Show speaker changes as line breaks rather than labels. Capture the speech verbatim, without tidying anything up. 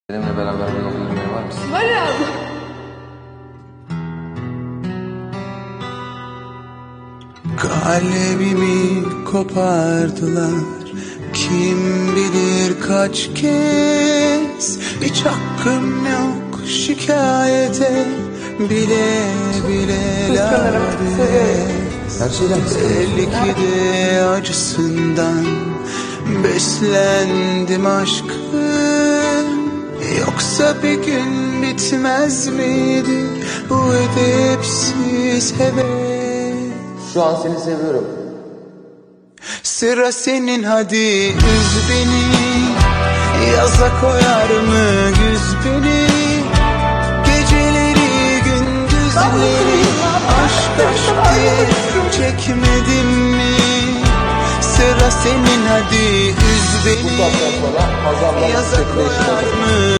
Benimle beraber bir yol yürümeye var mısın?
Varım.
Kalbimi kopardılar, kim bilir kaç kez. Hiç hakkım yok şikayete, bile bile lades.
Her şeyden
Belli ki de acısından beslendim aşkın. Yoksa bir gün bitmez miydi bu edepsiz heves?
Şu an seni seviyorum.
Sıra senin, hadi üz beni. Yaza koyar mı güz beni? Geceleri gündüzleri aşk aşk diye çekmedim mi? Sıra senin, hadi üz
Bu saatten
beni.
sonra Hazal'la
Yaza koyar mı